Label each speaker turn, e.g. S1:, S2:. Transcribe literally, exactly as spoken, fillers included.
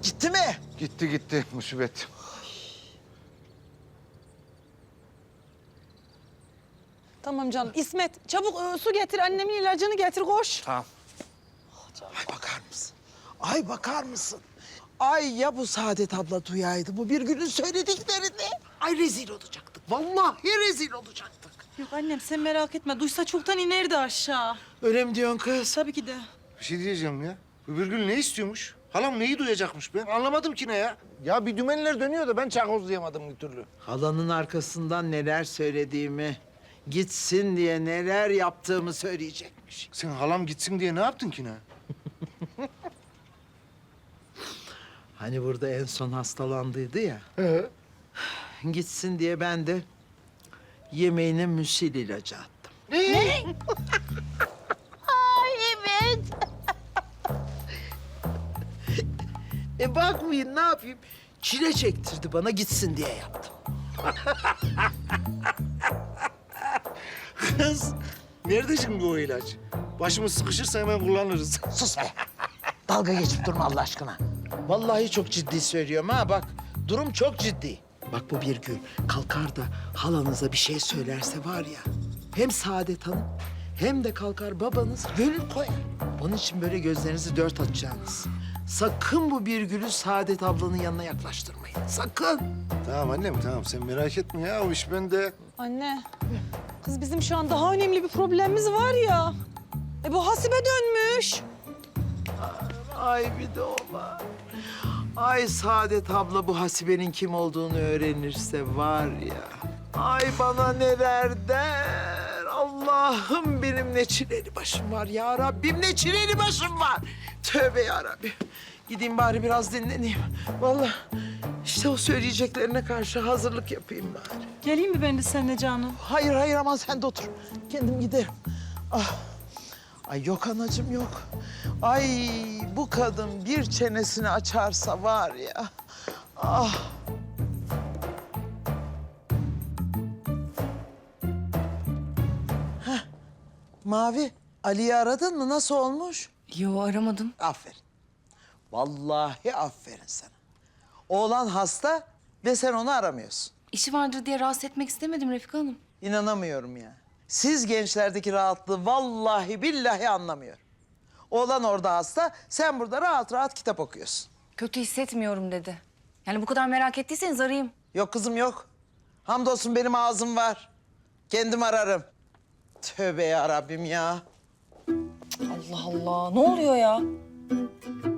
S1: Gitti mi?
S2: Gitti gitti musibet.
S3: Tamam canım. İsmet çabuk e, su getir. Annemin ilacını getir koş.
S2: Tamam.
S1: Ay bakar mısın? Ay bakar mısın? Ay ya bu Saadet abla duyaydı bu bir günün söylediklerini. Ay rezil olacaktık. Vallahi rezil olacaktık.
S3: Yok annem sen merak etme. Duysa çoktan inerdi aşağı.
S1: Öyle mi diyorsun kız?
S3: Tabii ki de.
S2: Bir şey diyeceğim ya. Bu Birgül ne istiyormuş? Halam neyi duyacakmış ben anlamadım ki ne ya. Ya bir dümenler dönüyor da ben çakozlayamadım bir türlü.
S1: Halanın arkasından neler söylediğimi, gitsin diye neler yaptığımı söyleyecekmiş.
S2: Sen halam gitsin diye ne yaptın ki ne?
S1: Hani burada en son hastalandıydı ya.
S2: He.
S1: Gitsin diye ben de yemeğine müsil ilacı attım.
S2: Ne?
S1: E bakmayın ne yapayım? Çile çektirdi bana gitsin diye yaptım.
S2: Kız nerede şimdi o ilaç? Başımız sıkışırsa hemen kullanırız.
S1: Sus be. Dalga geçip durma Allah aşkına. Vallahi çok ciddi söylüyorum ha bak. Durum çok ciddi. Bak bu bir gün kalkar da halanıza bir şey söylerse var ya... hem Saadet Hanım hem de kalkar babanız gönül koyar. Onun için böyle gözlerinizi dört açacaksınız. Sakın bu bir gülü Saadet ablanın yanına yaklaştırmayın. Sakın.
S2: Tamam annem tamam sen merak etme ya o iş bende.
S3: Anne. Kız bizim şu an daha önemli bir problemimiz var ya. E bu hasibe dönmüş.
S1: Ay bir de o var. Ay Saadet abla bu Hasibe'nin kim olduğunu öğrenirse var ya... Ay bana neler der. Allah'ım benim ne çileli başım var ya Rabbim ne çileli başım var. Tövbe ya Rabbim. Gideyim bari biraz dinleneyim. Vallahi işte o söyleyeceklerine karşı hazırlık yapayım bari.
S3: Geleyim mi ben de seninle canım?
S1: Hayır hayır aman sen de otur. Kendim giderim. Ah. Ay yok anacığım yok. Ay bu kadın bir çenesini açarsa var ya. Ah. Heh. Mavi, Ali'yi aradın mı? Nasıl olmuş?
S4: Yo aramadım.
S1: Aferin. Vallahi aferin sana. Oğlan hasta ve sen onu aramıyorsun.
S4: İşi vardır diye rahatsız etmek istemedim Refika Hanım.
S1: İnanamıyorum ya. Siz gençlerdeki rahatlığı vallahi billahi anlamıyorum. Oğlan orada hasta, sen burada rahat rahat kitap okuyorsun.
S4: Kötü hissetmiyorum dedi. Yani bu kadar merak ettiyseniz arayayım.
S1: Yok kızım yok. Hamdolsun benim ağzım var. Kendim ararım. Tövbe ya Rabbim ya.
S4: Allah Allah ne oluyor ya?